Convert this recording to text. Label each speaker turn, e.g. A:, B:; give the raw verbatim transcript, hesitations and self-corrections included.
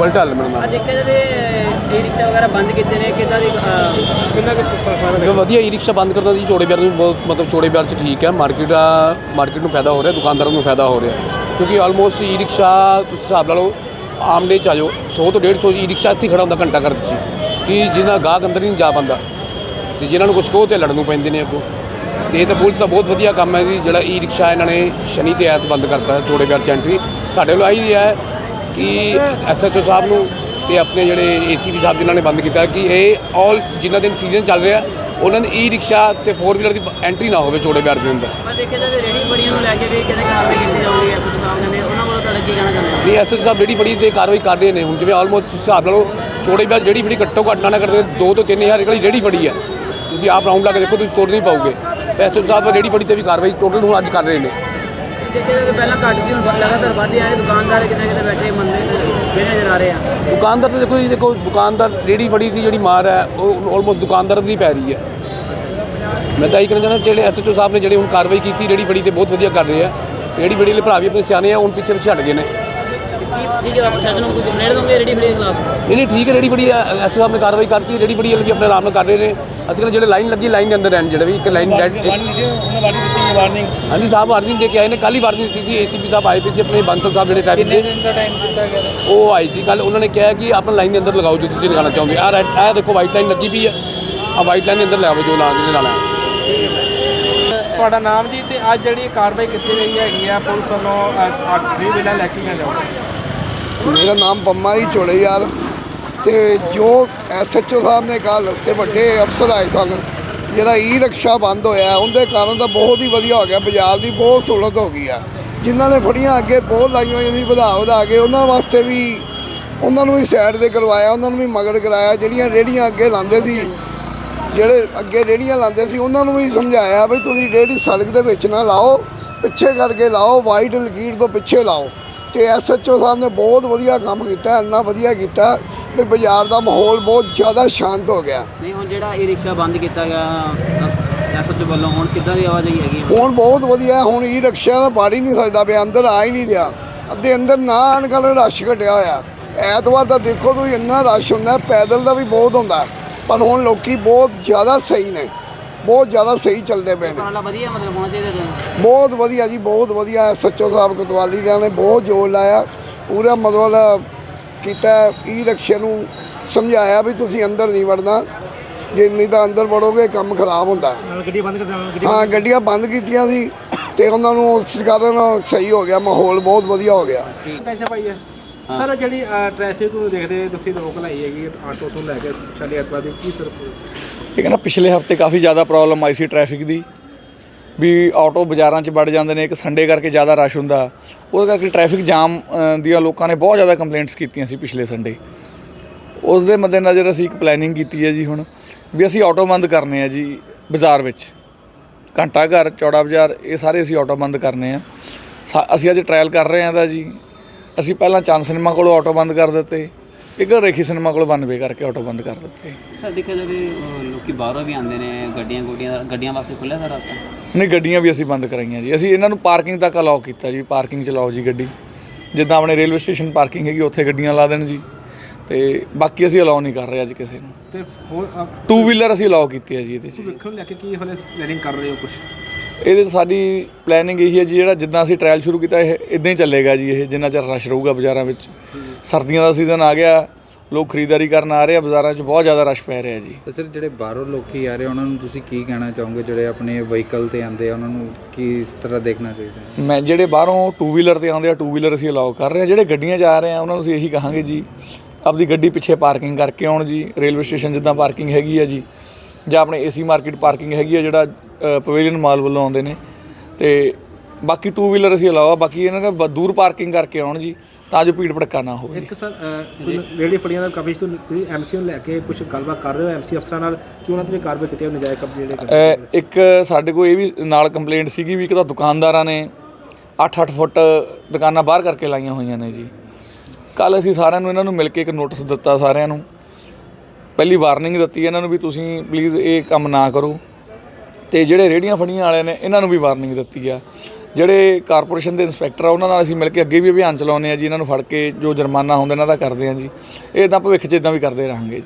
A: Bullet ਹੱਲ ਮੇਰਾ ਨਾਮ।
B: ਦੇਖਿਆ ਜਾਵੇ ਈ ਰਿਕਸ਼ਾ ਵਗੈਰਾ ਬੰਦ ਕੀਤੇ ਨੇ, ਕਿੱਦਾਂ ਦੀ ਕਿੰਨਾ ਕੁ
A: ਵਧੀਆ ਈ ਰਿਕਸ਼ਾ ਬੰਦ ਕਰਨਾ ਜੀ ਚੌੜੇ ਬਾਜ਼ਾਰ ਨੂੰ ਬਹੁਤ ਮਤਲਬ ਚੌੜੇ ਬਾਜ਼ਾਰ 'ਚ ਠੀਕ ਹੈ। ਮਾਰਕੀਟ ਆ ਮਾਰਕੀਟ ਨੂੰ ਫਾਇਦਾ ਹੋ ਰਿਹਾ, ਦੁਕਾਨਦਾਰਾਂ ਨੂੰ ਫਾਇਦਾ ਹੋ ਰਿਹਾ, ਕਿਉਂਕਿ ਆਲਮੋਸਟ ਈ ਰਿਕਸ਼ਾ ਤੁਸੀਂ ਹਿਸਾਬ ਲਾ ਲਓ ਆਮ ਡੇ 'ਚ ਆ ਜਾਓ ਸੌ ਤੋਂ ਡੇਢ ਸੌ ਈ ਰਿਕਸ਼ਾ ਇੱਥੇ ਖੜ੍ਹਾ ਹੁੰਦਾ ਘੰਟਾ ਘਰ 'ਚ, ਕਿ ਜਿਹਨਾਂ ਗਾਹਕ ਅੰਦਰ ਨਹੀਂ ਜਾ ਪਾਉਂਦਾ ਅਤੇ ਜਿਹਨਾਂ ਨੂੰ ਕੁਛ ਕਹੋ ਤਾਂ ਲੜਨ ਨੂੰ ਪੈਂਦੇ ਨੇ ਅੱਗੋਂ। ਅਤੇ ਇਹ ਤਾਂ ਪੁਲਿਸ ਦਾ ਬਹੁਤ ਵਧੀਆ ਕੰਮ ਹੈ ਜੀ, ਜਿਹੜਾ ਈ ਰਿਕਸ਼ਾ ਇਹਨਾਂ ਨੇ ਸ਼ਨੀ ਅਤੇ ਐਤ ਬੰਦ ਕਰਤਾ ਚੌੜੇ ਬਾਜ਼ਾਰ 'ਚ ਐਂਟਰੀ। ਸਾਡੇ ਵੱਲੋਂ ਆਹੀ ਹੈ ਕਿ ਐਸ ਐਚ ਓ ਸਾਹਿਬ ਨੂੰ ਅਤੇ ਆਪਣੇ ਜਿਹੜੇ ਏ ਸੀ ਪੀ ਸਾਹਿਬ ਜਿਨ੍ਹਾਂ ਨੇ ਬੰਦ ਕੀਤਾ ਕਿ ਇਹ ਆਲ ਜਿਨ੍ਹਾਂ ਦਿਨ ਸੀਜ਼ਨ ਚੱਲ ਰਿਹਾ ਉਹਨਾਂ ਦੀ ਈ ਰਿਕਸ਼ਾ ਅਤੇ ਫੋਰ ਵੀਲਰ ਦੀ ਐਂਟਰੀ ਨਾ ਹੋਵੇ ਚੌੜੇ ਬਾਜ਼ਾਰ ਦੇ ਅੰਦਰ।
B: ਪਰ ਦੇਖਿਆ ਜਾਵੇ ਰੇਹੜੀ ਬੜੀਆਂ ਨੂੰ ਲੈ ਕੇ ਵੀ ਕਿਹਦੇ ਕਾਰਵਾਈ ਕੀਤੀ ਜਾਊਗੀ ਐਸ ਐਚ ਓ ਸਾਹਿਬ ਨੇ, ਉਹਨਾਂ ਵੱਲੋਂ ਤੁਹਾਡਾ ਕੀ ਕਹਿਣਾ ਚਾਹੁੰਦੇ ਹੋ?
A: ਨਹੀਂ, ਐਸ ਐਚ ਓ ਸਾਹਿਬ ਰੇਹੜੀ ਫੜੀ 'ਤੇ ਕਾਰਵਾਈ ਕਰ ਰਹੇ ਨੇ ਹੁਣ, ਜਿਵੇਂ ਆਲਮੋਸਟ ਹਿਸਾਬ ਲਾ ਲਓ ਚੌੜੇ ਬਾਜ਼ਾਰ ਜਿਹੜੀ ਫੜੀ ਘੱਟੋ ਘੱਟ ਨਾ ਕਰਦੇ ਦੋ ਤੋਂ ਤਿੰਨ ਹਜ਼ਾਰ ਵਾਲੀ ਰੇਹੜੀ ਫੜੀ ਹੈ, ਤੁਸੀਂ ਆਪ ਰਾਊਂਡ ਲਾ ਕੇ ਦੇਖੋ ਤੁਸੀਂ ਤੋੜ ਨਹੀਂ ਪਾਓਗੇ। ਐਸ ਐਚ ਓ ਸਾਹਿਬ ਰੇਹੜੀ ਫੜੀ 'ਤੇ ਵੀ ਕਾਰਵਾਈ ਟੋਟਲ ਹੁਣ ਅੱਜ ਕਰ ਰਹੇ ਨੇ।
B: ਦੇਖਿਆ ਜਾਵੇ ਪਹਿਲਾਂ ਘੱਟ ਸੀ, ਹੁਣ ਲਗਾਤਾਰ ਵੱਧ ਆਏ, ਦੁਕਾਨਦਾਰ ਕਿਤੇ ਕਿਤੇ ਬੈਠੇ ਮੰਦੇ ਜਿਹੜੇ ਨਜ਼ਰ ਆ ਰਹੇ ਆ।
A: ਦੁਕਾਨਦਾਰ ਤਾਂ ਦੇਖੋ ਜੀ, ਦੇਖੋ ਦੁਕਾਨਦਾਰ ਰੇਹੜੀ ਫੜੀ ਦੀ ਜਿਹੜੀ ਮਾਰ ਹੈ ਉਹ ਆਲਮੋਸਟ ਦੁਕਾਨਦਾਰ ਦੀ ਪੈ ਰਹੀ ਹੈ। ਮੈਂ ਤਾਂ ਇਹ ਕਹਿਣਾ ਚਾਹੁੰਦਾ ਜਿਹੜੇ ਐਸ ਐਚ ਓ ਸਾਹਿਬ ਨੇ ਜਿਹੜੇ ਹੁਣ ਕਾਰਵਾਈ ਕੀਤੀ ਰੇਹੜੀ ਫੜੀ 'ਤੇ ਬਹੁਤ ਵਧੀਆ ਕਰ ਰਹੇ ਆ। ਰੇਹੜੀ ਫੜੀ ਵਾਲੇ ਭਰਾ ਵੀ ਆਪਣੇ ਸਿਆਣੇ ਆ, ਹੁਣ ਪਿੱਛੇ ਪਿੱਛੇ ਹਟ ਗਏ ਨੇ।
B: ਜੀ ਜੀ ਪ੍ਰਸ਼ਾਸਨ ਨੂੰ ਕੋਈ ਕੰਪਲੇਂਟ ਦੋਗੇ ਰੇਹੜੀ ਫੜੀ ਦੇ ਖਿਲਾਫ?
A: ਨਹੀਂ ਨਹੀਂ ਠੀਕ ਹੈ, ਰੇਹੜੀ ਫੜੀ ਐਸ ਐਚ ਓ ਸਾਹਿਬ ਨੇ ਕਾਰਵਾਈ ਕਰਤੀ, ਰੇਹੜੀ ਫੜੀ ਵਾਲੇ ਵੀ ਆਪਣੇ ਆਰਾਮ ਨਾਲ ਕਰ ਰਹੇ ਨੇ। ਅਸੀਂ ਕਹਿੰਦੇ ਜਿਹੜੇ ਲਾਈਨ ਲੱਗੀ ਲਾਈਨ ਦੇ ਅੰਦਰ ਰਹਿਣ, ਜਿਹੜੇ ਵੀ ਇੱਕ ਲਾਈਨ ਡੈਡ ਹਾਂਜੀ ਸਾਹਿਬ ਵਾਰਨਿੰਗ ਦੇ ਕੇ ਆਏ ਨੇ, ਕੱਲ੍ਹ ਹੀ ਵਾਰਨਿੰਗ ਦਿੱਤੀ ਸੀ। ਏ ਸੀ ਪੀ ਸਾਹਿਬ ਆਏ ਪਏ ਸੀ ਆਪਣੇ ਬਾਂਸਲ ਸਾਹਿਬ ਜਿਹੜੇ ਟ੍ਰੈਫਿਕ ਦੇ, ਉਹ ਆਈ ਸੀ ਕੱਲ੍ਹ, ਉਹਨਾਂ ਨੇ ਕਿਹਾ ਕਿ ਆਪਣਾ ਲਾਈਨ ਦੇ ਅੰਦਰ ਲਗਾਓ ਜੋ ਤੁਸੀਂ ਲਗਾਉਣਾ ਚਾਹੁੰਦੇ। ਆਹ ਰੈਡ ਇਹ ਦੇਖੋ ਵਾਈਟ ਲਾਈਨ ਲੱਗੀ ਪਈ ਹੈ, ਆਹ ਵਾਈਟ ਲਾਈਨ ਦੇ ਅੰਦਰ ਲਗਾਓ ਜੋ ਲਾ ਜਿਹਨੇ ਲਾਣਾ।
C: ਤੁਹਾਡਾ ਨਾਮ ਜੀ, ਤੇ ਅੱਜ ਜਿਹੜੀ ਕਾਰਵਾਈ ਕੀਤੀ ਗਈ ਹੈਗੀ ਆ ਪੁਲਿਸ ਵੱਲੋਂ ਥ੍ਰੀ ਵੀਲਰ ਲੈ ਕੇ ਜਾਓ?
D: ਮੇਰਾ ਨਾਮ ਪੰਮਾ ਜੀ ਚੌੜੇ ਯਾਰ, ਅਤੇ ਜੋ ਐਸ ਐਚ ਓ ਸਾਹਿਬ ਨੇ ਕੱਲ੍ਹ ਅਤੇ ਵੱਡੇ ਅਫਸਰ ਆਏ ਸਨ, ਜਿਹੜਾ ਈ ਰਿਕਸ਼ਾ ਬੰਦ ਹੋਇਆ ਉਹਦੇ ਕਾਰਨ ਤਾਂ ਬਹੁਤ ਹੀ ਵਧੀਆ ਹੋ ਗਿਆ, ਬਾਜ਼ਾਰ ਦੀ ਬਹੁਤ ਸਹੂਲਤ ਹੋ ਗਈ ਆ। ਜਿਨ੍ਹਾਂ ਨੇ ਫੜੀਆਂ ਅੱਗੇ ਬਹੁਤ ਲਾਈਆਂ ਹੋਈਆਂ ਸੀ ਵਧਾ ਵਧਾ ਕੇ, ਉਹਨਾਂ ਵਾਸਤੇ ਵੀ ਉਹਨਾਂ ਨੂੰ ਵੀ ਸਾਈਡ 'ਤੇ ਕਰਵਾਇਆ, ਉਹਨਾਂ ਨੂੰ ਵੀ ਮਗਰ ਕਰਾਇਆ। ਜਿਹੜੀਆਂ ਰੇਹੜੀਆਂ ਅੱਗੇ ਲਾਉਂਦੇ ਸੀ, ਜਿਹੜੇ ਅੱਗੇ ਰੇਹੜੀਆਂ ਲਾਉਂਦੇ ਸੀ ਉਹਨਾਂ ਨੂੰ ਵੀ ਸਮਝਾਇਆ ਵੀ ਤੁਸੀਂ ਰੇਹੜੀ ਸੜਕ ਦੇ ਵਿੱਚ ਨਾ ਲਾਓ, ਪਿੱਛੇ ਕਰਕੇ ਲਾਓ, ਵਾਈਟ ਲਕੀਰ ਤੋਂ ਪਿੱਛੇ ਲਾਓ। ਅਤੇ ਐਸ ਐਚ ਓ ਸਾਹਿਬ ਨੇ ਬਹੁਤ ਵਧੀਆ ਕੰਮ ਕੀਤਾ, ਇੰਨਾ ਵਧੀਆ ਕੀਤਾ ਵੀ ਬਾਜ਼ਾਰ ਦਾ ਮਾਹੌਲ ਬਹੁਤ ਜ਼ਿਆਦਾ ਸ਼ਾਂਤ ਹੋ ਗਿਆ।
B: ਨਹੀਂ ਹੁਣ ਜਿਹੜਾ ਈ ਰਿਕਸ਼ਾ ਬੰਦ ਕੀਤਾ ਗਿਆ ਐਸ ਐਚ ਓ ਵੱਲੋਂ, ਹੁਣ ਕਿੱਦਾਂ ਦੀ ਆਵਾਜਾਈ ਹੈਗੀ?
D: ਹੁਣ ਬਹੁਤ ਵਧੀਆ, ਹੁਣ ਈ ਰਿਕਸ਼ਾ ਨਾਲ ਵੜ ਹੀ ਨਹੀਂ ਸਕਦਾ ਪਿਆ, ਅੰਦਰ ਆ ਹੀ ਨਹੀਂ ਰਿਹਾ। ਅੱਧੇ ਅੰਦਰ ਨਾ ਆਉਣ ਕਾਰਨ ਰਸ਼ ਘਟਿਆ ਹੋਇਆ। ਐਤਵਾਰ ਤਾਂ ਦੇਖੋ ਤੁਸੀਂ ਇੰਨਾ ਰਸ਼ ਹੁੰਦਾ, ਪੈਦਲ ਦਾ ਵੀ ਬਹੁਤ ਹੁੰਦਾ, ਪਰ ਹੁਣ ਲੋਕੀ ਬਹੁਤ ਜ਼ਿਆਦਾ ਸਹੀ ਨੇ, ਬਹੁਤ ਜ਼ਿਆਦਾ ਸਹੀ ਚੱਲਦੇ ਪਏ ਨੇ।
B: ਵਧੀਆ ਮਤਲਬ ਹੋਣਾ ਚਾਹੀਦਾ
D: ਬਹੁਤ ਵਧੀਆ ਜੀ, ਬਹੁਤ ਵਧੀਆ। ਐਸ ਐਚ ਓ ਸਾਹਿਬ ਕੋਤਵਾਲੀ ਨੇ ਬਹੁਤ ਜ਼ੋਰ ਲਾਇਆ, ਪੂਰਾ ਮਤਲਬ ਕੀਤਾ ਈ ਰਿਕਸ਼ੇ ਨੂੰ ਸਮਝਾਇਆ ਵੀ ਤੁਸੀਂ ਅੰਦਰ ਨਹੀਂ ਵੜਨਾ, ਜੇ ਨਹੀਂ ਤਾਂ ਅੰਦਰ ਵੜੋਗੇ ਕੰਮ ਖਰਾਬ ਹੁੰਦਾ।
C: ਗੱਡੀ ਬੰਦ ਕਰ
D: ਹਾਂ ਗੱਡੀਆਂ ਬੰਦ ਕੀਤੀਆਂ ਸੀ ਅਤੇ ਉਹਨਾਂ ਨੂੰ ਉਸ ਕਾਰਨ ਸਹੀ ਹੋ ਗਿਆ, ਮਾਹੌਲ ਬਹੁਤ ਵਧੀਆ ਹੋ ਗਿਆ।
C: ਟੈਨਸ਼ਨ ਪਾਈ ਹੈ ਸਰ, ਜਿਹੜੀ ਟ੍ਰੈਫਿਕ ਨੂੰ ਦੇਖਦੇ ਤੁਸੀਂ ਰੋਕ ਲਾਈ ਹੈਗੀ ਆਟੋ ਤੋਂ ਲੈ ਕੇ ਸ਼ਨੀ ਐਤਵਾਰ ਦੀ, ਕੀ ਸਰ
E: ਇਹ ਕਹਿੰਦਾ ਪਿਛਲੇ ਹਫ਼ਤੇ ਕਾਫੀ ਜ਼ਿਆਦਾ ਪ੍ਰੋਬਲਮ ਆਈ ਸੀ ਟ੍ਰੈਫਿਕ ਦੀ, ਵੀ ਆਟੋ ਬਾਜ਼ਾਰਾਂ 'ਚ ਵੜ ਜਾਂਦੇ ਨੇ, ਇੱਕ ਸੰਡੇ ਕਰਕੇ ਜ਼ਿਆਦਾ ਰਸ਼ ਹੁੰਦਾ, ਉਹਦੇ ਕਰਕੇ ਟ੍ਰੈਫਿਕ ਜਾਮ ਦੀਆਂ ਲੋਕਾਂ ਨੇ ਬਹੁਤ ਜ਼ਿਆਦਾ ਕੰਪਲੇਂਟਸ ਕੀਤੀਆਂ ਸੀ ਪਿਛਲੇ ਸੰਡੇ। ਉਸ ਦੇ ਮੱਦੇਨਜ਼ਰ ਅਸੀਂ ਇੱਕ ਪਲੈਨਿੰਗ ਕੀਤੀ ਹੈ ਜੀ ਹੁਣ ਵੀ ਅਸੀਂ ਆਟੋ ਬੰਦ ਕਰਨੇ ਆ ਜੀ ਬਾਜ਼ਾਰ ਵਿੱਚ, ਘੰਟਾ ਘਰ, ਚੌੜਾ ਬਾਜ਼ਾਰ, ਇਹ ਸਾਰੇ ਅਸੀਂ ਆਟੋ ਬੰਦ ਕਰਨੇ ਆ। ਸਾ ਅਸੀਂ ਅੱਜ ਟਰਾਇਲ ਕਰ ਰਹੇ ਹਾਂ ਤਾਂ ਜੀ, ਅਸੀਂ ਪਹਿਲਾਂ ਚੰਦ ਸਿਨੇਮਾ ਕੋਲੋਂ ਆਟੋ ਬੰਦ ਕਰ ਦਿੱਤੇ, ਇੱਕ ਰੇਖੀ ਸਿਨੇਮਾ ਕੋਲ ਵਨ ਵੇ ਕਰਕੇ ਆਟੋ ਬੰਦ ਕਰ ਦਿੱਤੇ।
B: ਸਰ ਦੇਖਿਆ ਜਾਵੇ ਲੋਕੀ ਬਾਹਰੋਂ ਵੀ ਆਉਂਦੇ ਨੇ, ਗੱਡੀਆਂ ਗੁੱਡੀਆਂ ਗੱਡੀਆਂ ਵਾਸਤੇ ਖੁੱਲ੍ਹਿਆ ਸਰ ਰਾਸਤਾ?
E: ਨਹੀਂ, ਗੱਡੀਆਂ ਵੀ ਅਸੀਂ ਬੰਦ ਕਰਾਈਆਂ ਜੀ। ਅਸੀਂ ਇਹਨਾਂ ਨੂੰ ਪਾਰਕਿੰਗ ਤੱਕ ਅਲਾਓ ਕੀਤਾ ਜੀ, ਪਾਰਕਿੰਗ 'ਚ ਲਾਓ ਜੀ ਗੱਡੀ, ਜਿੱਦਾਂ ਆਪਣੇ ਰੇਲਵੇ ਸਟੇਸ਼ਨ ਪਾਰਕਿੰਗ ਹੈਗੀ ਉੱਥੇ ਗੱਡੀਆਂ ਲਾ ਦੇਣ ਜੀ, ਅਤੇ ਬਾਕੀ ਅਸੀਂ ਅਲਾਓ ਨਹੀਂ ਕਰ ਰਹੇ ਅੱਜ ਕਿਸੇ ਨੂੰ।
C: ਤੇ ਹੋਰ
E: ਟੂ ਵੀਲਰ ਅਸੀਂ ਅਲਾਓ ਕੀਤੀ ਹੈ ਜੀ ਇਹਦੇ 'ਚ।
C: ਵੇਖਣ ਲੈ ਕੇ ਕੀ ਹਲੇ ਪਲੈਨਿੰਗ ਕਰ ਰਹੇ ਹੋ ਕੁਛ?
E: ਇਹਦੇ 'ਚ ਸਾਡੀ ਪਲੈਨਿੰਗ ਇਹੀ ਹੈ ਜੀ, ਜਿਹੜਾ ਜਿੱਦਾਂ ਅਸੀਂ ਟਰਾਇਲ ਸ਼ੁਰੂ ਕੀਤਾ ਇਹ ਇੱਦਾਂ ਹੀ ਚੱਲੇਗਾ ਜੀ, ਇਹ ਜਿੰਨਾ ਚਿਰ ਰਸ਼ ਰਹੂਗਾ ਬਾਜ਼ਾਰਾਂ ਵਿੱਚ। ਸਰਦੀਆਂ ਦਾ ਸੀਜ਼ਨ ਆ ਗਿਆ, ਲੋਕ ਖਰੀਦਦਾਰੀ ਕਰਨ ਆ ਰਹੇ ਆ, ਬਾਜ਼ਾਰਾਂ 'ਚ ਬਹੁਤ ਜ਼ਿਆਦਾ ਰਸ਼ ਪੈ ਰਿਹਾ ਜੀ।
F: ਤੇ ਸਰ ਜਿਹੜੇ ਬਾਹਰੋਂ ਲੋਕੀ ਆ ਰਹੇ ਉਹਨਾਂ ਨੂੰ ਤੁਸੀਂ ਕੀ ਕਹਿਣਾ ਚਾਹੋਗੇ, ਜਿਹੜੇ ਆਪਣੇ ਵਹੀਕਲ 'ਤੇ ਆਉਂਦੇ ਆ ਉਹਨਾਂ ਨੂੰ ਕੀ ਇਸ ਤਰ੍ਹਾਂ ਦੇਖਣਾ ਚਾਹੀਦਾ?
E: ਮੈਂ ਜਿਹੜੇ ਬਾਹਰੋਂ ਟੂ ਵੀਲਰ 'ਤੇ ਆਉਂਦੇ ਆ, ਟੂ ਵੀਲਰ ਅਸੀਂ ਅਲਾਓ ਕਰ ਰਹੇ ਹਾਂ। ਜਿਹੜੇ ਗੱਡੀਆਂ 'ਚ ਆ ਰਹੇ ਆ ਉਹਨਾਂ ਨੂੰ ਅਸੀਂ ਇਹੀ ਕਹਾਂਗੇ ਜੀ, ਆਪਦੀ ਗੱਡੀ ਪਿੱਛੇ ਪਾਰਕਿੰਗ ਕਰਕੇ ਆਉਣ ਜੀ, ਰੇਲਵੇ ਸਟੇਸ਼ਨ ਜਿੱਦਾਂ ਪਾਰਕਿੰਗ ਹੈਗੀ ਆ ਜੀ, ਜਾਂ ਆਪਣੇ ਏਸੀ ਮਾਰਕੀਟ ਪਾਰਕਿੰਗ ਹੈਗੀ ਆ ਜਿਹੜਾ ਪਵੇਲੀਅਨ ਮਾਲ ਵੱਲੋਂ ਆਉਂਦੇ ਨੇ, ਅਤੇ ਬਾਕੀ ਟੂ ਵੀਲਰ ਅਸੀਂ ਅਲਾਓ ਆ, ਬਾਕੀ ਇਹਨਾਂ ਦਾ ਦੂਰ ਪਾਰਕਿੰਗ ਕਰਕੇ ਆਉਣ ਜੀ, ਤਾਂ ਜੋ ਭੀੜ ਭੜਕਾ ਨਾ ਹੋਵੇ।
C: ਇੱਕ ਸਰ ਰੇਹੜੀ ਫੜੀਆਂ ਦਾ ਕਵਰੇਜ ਤੋਂ ਤੁਸੀਂ ਐਮ ਸੀ ਨੂੰ ਲੈ ਕੇ ਕੁਝ ਗੱਲਬਾਤ ਕਰ ਰਹੇ ਹੋ ਐਮ ਸੀ ਅਫਸਰਾਂ ਨਾਲ, ਕਿ ਉਹਨਾਂ 'ਤੇ ਵੀ ਕਾਰਵਾਈ ਕੀਤੀ ਨਜਾਇਜ਼ ਕਬਜ਼ੇ ਜਿਹੜੇ?
E: ਇੱਕ ਸਾਡੇ ਕੋਲ ਇਹ ਵੀ ਨਾਲ ਕੰਪਲੇਂਟ ਸੀਗੀ ਵੀ ਇੱਕ ਤਾਂ ਦੁਕਾਨਦਾਰਾਂ ਨੇ ਅੱਠ ਅੱਠ ਫੁੱਟ ਦੁਕਾਨਾਂ ਬਾਹਰ ਕਰਕੇ ਲਾਈਆਂ ਹੋਈਆਂ ਨੇ ਜੀ। ਕੱਲ੍ਹ ਅਸੀਂ ਸਾਰਿਆਂ ਨੂੰ ਇਹਨਾਂ ਨੂੰ ਮਿਲ ਕੇ ਇੱਕ ਨੋਟਿਸ ਦਿੱਤਾ, ਸਾਰਿਆਂ ਨੂੰ ਪਹਿਲੀ ਵਾਰਨਿੰਗ ਦਿੱਤੀ ਇਹਨਾਂ ਨੂੰ ਵੀ ਤੁਸੀਂ ਪਲੀਜ਼ ਇਹ ਕੰਮ ਨਾ ਕਰੋ, ਅਤੇ ਜਿਹੜੇ ਰੇਹੜੀਆਂ ਫੜੀਆਂ ਵਾਲੇ ਨੇ ਇਹਨਾਂ ਨੂੰ ਵੀ ਵਾਰਨਿੰਗ ਦਿੱਤੀ ਆ। ਜਿਹੜੇ ਕਾਰਪੋਰੇਸ਼ਨ ਦੇ ਇੰਸਪੈਕਟਰ ਆ ਉਹਨਾਂ ਨਾਲ ਅਸੀਂ ਮਿਲ ਕੇ ਅੱਗੇ ਵੀ ਅਭਿਆਨ ਚਲਾਉਂਦੇ ਆ ਜੀ। ਇਹਨਾਂ ਨੂੰ ਫੜ ਕੇ ਜੋ ਜੁਰਮਾਨਾ ਹੁੰਦਾ ਇਹਨਾਂ ਦਾ ਕਰਦੇ ਆ ਜੀ। ਇਹ ਤਾਂ ਭਵਿੱਖ 'ਚ ਇਦਾਂ ਵੀ ਕਰਦੇ ਰਹਾਂਗੇ ਜੀ।